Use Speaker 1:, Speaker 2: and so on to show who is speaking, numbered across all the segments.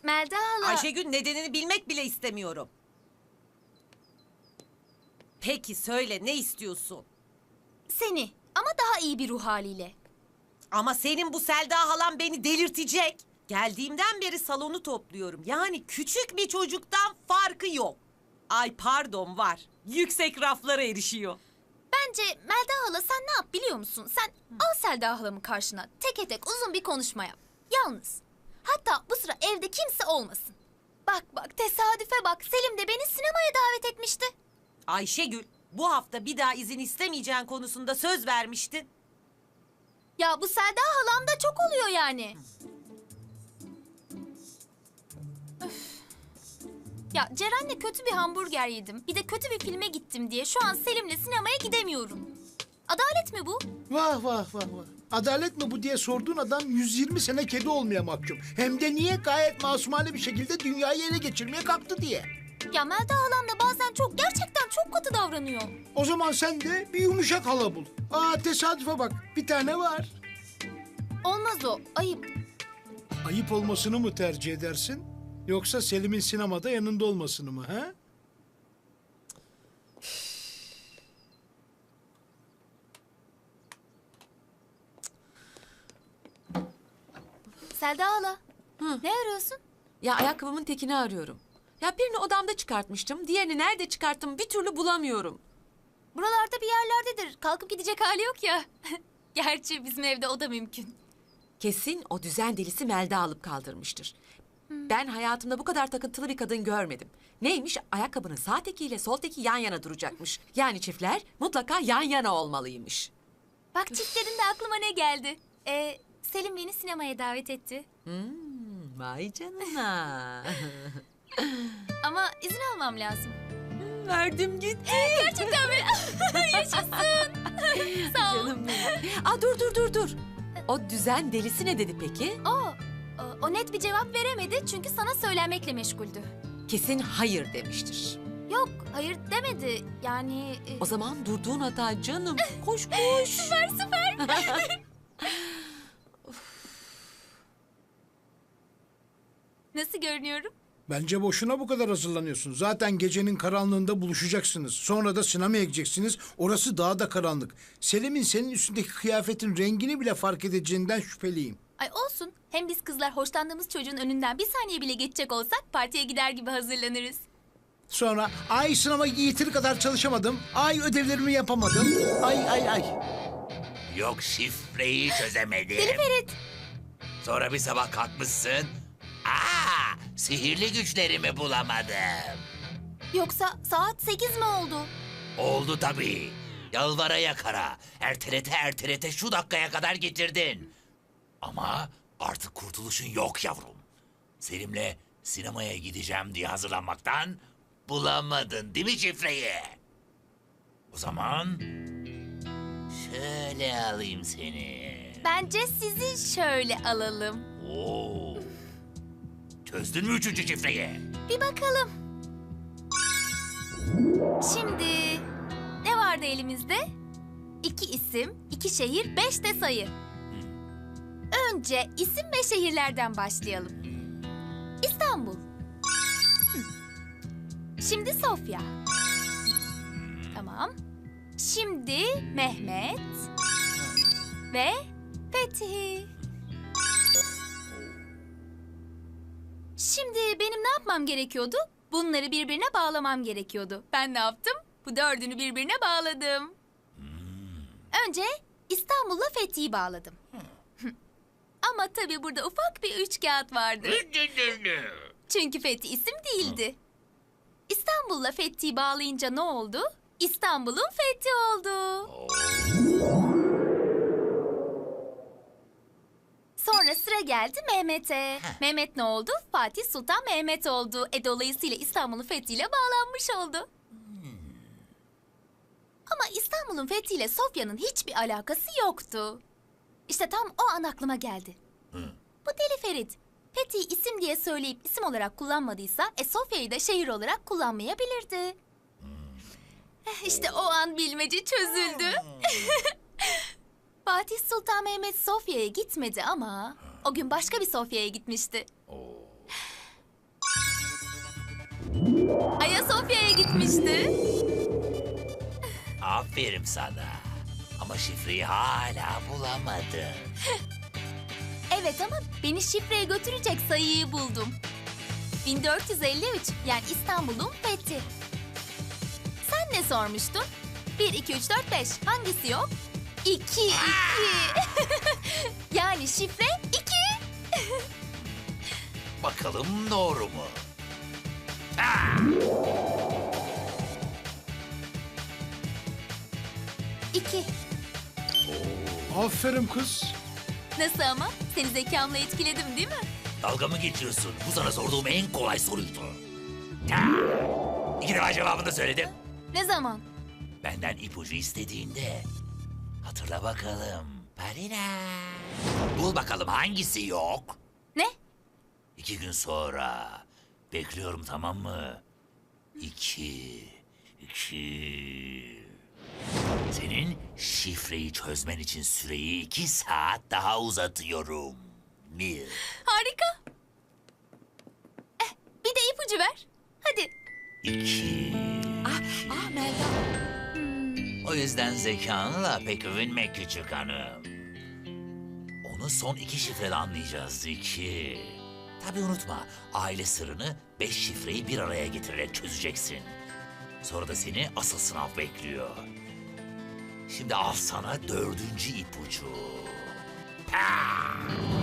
Speaker 1: Melda hala...
Speaker 2: Ayşegül, nedenini bilmek bile istemiyorum. Peki söyle, ne istiyorsun?
Speaker 1: Seni ama daha iyi bir ruh haliyle.
Speaker 2: Ama senin bu Selda halan beni delirtecek. Geldiğimden beri salonu topluyorum. Yani küçük bir çocuktan farkı yok. Ay pardon, var. Yüksek raflara erişiyor.
Speaker 1: Bence Melda hala sen ne yap biliyor musun? Sen al Selda halamı karşına. Teke tek uzun bir konuşma yap. Yalnız. Hatta bu sıra evde kimse olmasın. Bak tesadüfe bak. Selim de beni sinemaya davet etmişti.
Speaker 2: Ayşegül, bu hafta bir daha izin istemeyeceğin konusunda söz vermiştin.
Speaker 1: Ya bu Selda halam da çok oluyor yani. Öf. Ya Ceren'le kötü bir hamburger yedim. Bir de kötü bir filme gittim diye şu an Selim'le sinemaya gidemiyorum. Adalet mi bu?
Speaker 3: Vah vah vah vah. Adalet mi bu diye sorduğun adam 120 sene kedi olmaya mahkum. Hem de niye gayet masumane bir şekilde dünyayı ele geçirmeye kalktı diye.
Speaker 1: Ya Melda halam da bazen gerçekten çok katı davranıyor.
Speaker 3: O zaman sen de bir yumuşak hala bul. Aa tesadüfe bak, bir tane var.
Speaker 1: Olmaz o, ayıp.
Speaker 3: Ayıp olmasını mı tercih edersin? Yoksa Selim'in sinemada yanında olmasını mı ha?
Speaker 1: Selda hala, ne arıyorsun?
Speaker 4: Ya ayakkabımın tekini arıyorum. Ya birini odamda çıkartmıştım. Diğerini nerede çıkarttım bir türlü bulamıyorum.
Speaker 1: Buralarda bir yerlerdedir. Kalkıp gidecek hali yok ya. Gerçi bizim evde o da mümkün.
Speaker 4: Kesin o düzen delisi Melda alıp kaldırmıştır. Ben hayatımda bu kadar takıntılı bir kadın görmedim. Neymiş? Ayakkabının sağ tekiyle sol teki yan yana duracakmış. Yani çiftler mutlaka yan yana olmalıymış.
Speaker 1: Bak çiftlerin de aklıma ne geldi? Selim beni sinemaya davet etti.
Speaker 4: Vay canına.
Speaker 1: Ama izin almam lazım.
Speaker 4: Verdim gitti.
Speaker 1: Gerçekten mi? Yaşasın. Sağ ol.
Speaker 4: Canım benim. Aa, dur. O düzen delisi ne dedi peki?
Speaker 1: O net bir cevap veremedi çünkü sana söylemekle meşguldü.
Speaker 4: Kesin hayır demiştir.
Speaker 1: Yok, hayır demedi. Yani...
Speaker 4: O zaman durduğun hata canım. Koş.
Speaker 1: Süper. Nasıl görünüyorum?
Speaker 3: Bence boşuna bu kadar hazırlanıyorsun. Zaten gecenin karanlığında buluşacaksınız. Sonra da sinemaya gideceksiniz. Orası daha da karanlık. Selim'in senin üstündeki kıyafetin rengini bile fark edeceğinden şüpheliyim.
Speaker 1: Ay olsun. Hem biz kızlar hoşlandığımız çocuğun önünden bir saniye bile geçecek olsak partiye gider gibi hazırlanırız.
Speaker 3: Sonra ay sınava yeteri kadar çalışamadım. Ay ödevlerimi yapamadım. Ay.
Speaker 5: Yok şifreyi çözemedim.
Speaker 1: Deli Ferit.
Speaker 5: Sonra bir sabah kalkmışsın. Sihirli güçlerimi bulamadım.
Speaker 1: Yoksa saat 8 mi oldu?
Speaker 5: Oldu tabii. Yalvara yakara. Ertelete şu dakikaya kadar getirdin. Ama artık kurtuluşun yok yavrum. Selim'le sinemaya gideceğim diye hazırlanmaktan bulamadın değil mi şifreyi? O zaman şöyle alayım seni.
Speaker 1: Bence sizi şöyle alalım.
Speaker 5: Oo. Çözdün mü üçüncü şifreyi?
Speaker 1: Bir bakalım. Şimdi ne vardı elimizde? 2 isim, 2 şehir, 5 de sayı. Önce isim ve şehirlerden başlayalım. İstanbul. Şimdi Sofya. Tamam. Şimdi Mehmet ve Fethi. Şimdi benim ne yapmam gerekiyordu? Bunları birbirine bağlamam gerekiyordu. Ben ne yaptım? Bu 4'ünü birbirine bağladım. Önce İstanbul'la Fethi'yi bağladım. Ama tabii burada ufak bir üçkağıt vardı. Çünkü Fethi isim değildi. İstanbul'la Fethi'yi bağlayınca ne oldu? İstanbul'un Fethi oldu. Sonra sıra geldi Mehmet'e. Mehmet ne oldu? Fatih Sultan Mehmet oldu. Dolayısıyla İstanbul'un fethiyle bağlanmış oldu. Ama İstanbul'un fethiyle Sofya'nın hiçbir alakası yoktu. İşte tam o an aklıma geldi. Bu Deli Ferit. Fethi'yi isim diye söyleyip isim olarak kullanmadıysa Sofya'yı da şehir olarak kullanmayabilirdi. İşte o an bilmece çözüldü. Fatih Sultan Mehmet Sofya'ya gitmedi ama o gün başka bir Sofya'ya gitmişti. Ayasofya'ya gitmişti.
Speaker 5: Aferin sana. Ama şifreyi hala bulamadın.
Speaker 1: Evet ama beni şifreye götürecek sayıyı buldum. 1453 yani İstanbul'un fethi. Sen ne sormuştun? 1, 2, 3, 4, 5 hangisi yok? 2, 2. Yani şifre 2.
Speaker 5: Bakalım doğru mu?
Speaker 1: 2.
Speaker 3: Aferin kız.
Speaker 1: Nasıl ama? Seni zekamla etkiledim değil mi?
Speaker 5: Dalga mı geçiyorsun? Bu sana sorduğum en kolay soruydu. Ha! 2 defa cevabını da söyledim.
Speaker 1: Ne zaman?
Speaker 5: Benden ipucu istediğinde. Hatırla bakalım. Parina. Bul bakalım hangisi yok?
Speaker 1: Ne?
Speaker 5: 2 gün sonra. Bekliyorum, tamam mı? 2. Senin şifreyi çözmen için süreyi 2 saat daha uzatıyorum. 1.
Speaker 1: Harika. Bir de ipucu ver. Hadi.
Speaker 5: 2.
Speaker 4: Melda.
Speaker 5: O yüzden zekanla pek övünme küçük hanım. Onu son 2 şifrede anlayacağız 2. Tabii unutma, aile sırrını 5 şifreyi bir araya getirerek çözeceksin. Sonra da seni asıl sınav bekliyor. Şimdi al sana 4. ipucu. Ha!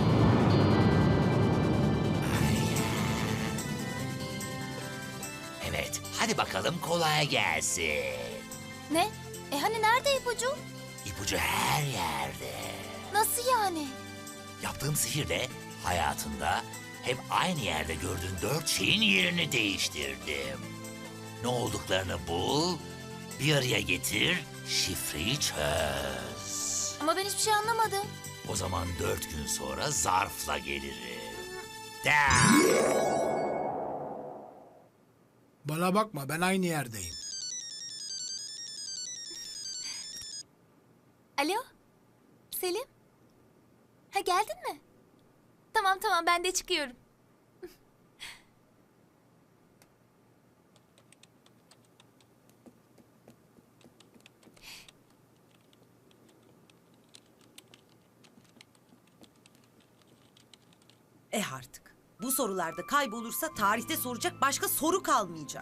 Speaker 5: Evet, hadi bakalım kolay gelsin.
Speaker 1: Ne? Hani nerede ipucu?
Speaker 5: İpucu her yerde.
Speaker 1: Nasıl yani?
Speaker 5: Yaptığım sihirle hayatında hep aynı yerde gördüğün 4 şeyin yerini değiştirdim. Ne olduklarını bul, bir araya getir, şifreyi çöz.
Speaker 1: Ama ben hiçbir şey anlamadım.
Speaker 5: O zaman 4 gün sonra zarfla gelirim. Da!
Speaker 3: Bana bakma, ben aynı yerdeyim.
Speaker 1: Alo? Selim? Ha geldin mi? Tamam tamam ben de çıkıyorum.
Speaker 2: Artık. Bu sorularda kaybolursa tarihte soracak başka soru kalmayacak.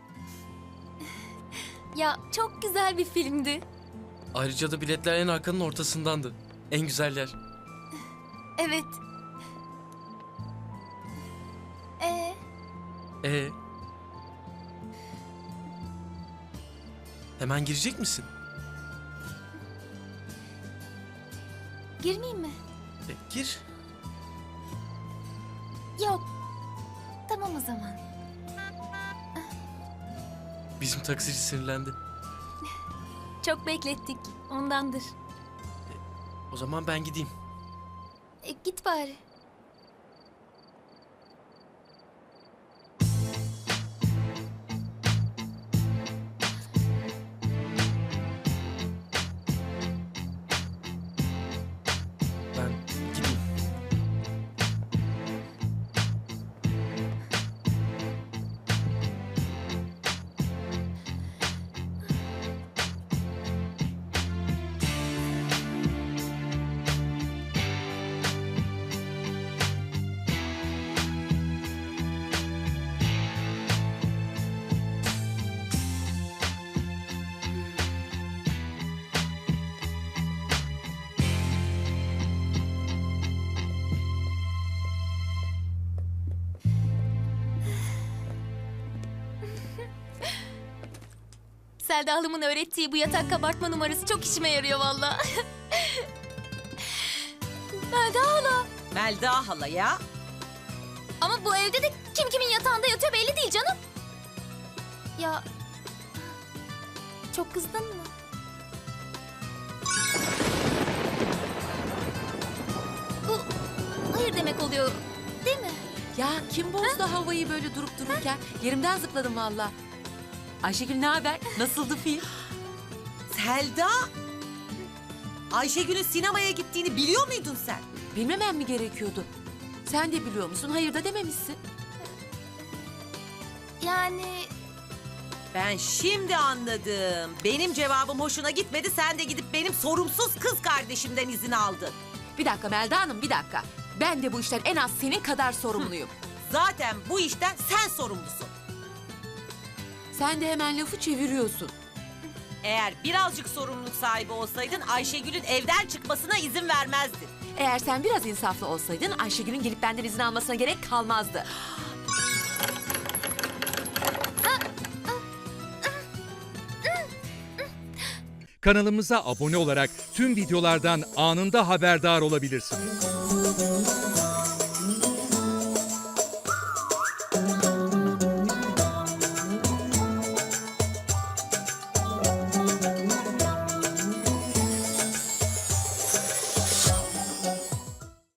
Speaker 1: Ya çok güzel bir filmdi.
Speaker 6: Ayrıca da biletler en arkanın ortasındandı. En güzel yer.
Speaker 1: Evet.
Speaker 6: Ee? Hemen girecek misin?
Speaker 1: Girmeyeyim mi?
Speaker 6: Gir.
Speaker 1: Yok. Tamam o zaman.
Speaker 6: Bizim taksici sinirlendi.
Speaker 1: Çok beklettik. Ondandır.
Speaker 6: O zaman ben gideyim.
Speaker 1: Git bari.
Speaker 6: Ben gideyim.
Speaker 1: Selda Hanım'ın öğrettiği bu yatak kabartma numarası çok işime yarıyor valla. Selda hala.
Speaker 2: Melda hala ya.
Speaker 1: Ama bu evde de kim kimin yatağında yatıyor belli değil canım. Ya... Çok kızdın mı? Bu hayır demek oluyor değil mi?
Speaker 4: Ya kim bozdu havayı böyle durup dururken? Yerimden zıpladım valla. Ayşegül ne haber? Nasıldı film?
Speaker 2: Selda. Ayşegül'ün sinemaya gittiğini biliyor muydun sen?
Speaker 4: Bilmemem mi gerekiyordu? Sen de biliyor musun? Hayır da dememişsin.
Speaker 1: Yani
Speaker 2: Ben şimdi anladım. Benim cevabım hoşuna gitmedi. Sen de gidip benim sorumsuz kız kardeşimden izin aldın.
Speaker 4: Bir dakika Melda Hanım, bir dakika. Ben de bu işten en az senin kadar sorumluyum.
Speaker 2: Zaten bu işten sen sorumlusun.
Speaker 4: Sen de hemen lafı çeviriyorsun.
Speaker 2: Eğer birazcık sorumluluk sahibi olsaydın Ayşegül'ün evden çıkmasına izin vermezdin.
Speaker 4: Eğer sen biraz insaflı olsaydın Ayşegül'ün gelip benden izin almasına gerek kalmazdı.
Speaker 7: Kanalımıza abone olarak tüm videolardan anında haberdar olabilirsiniz.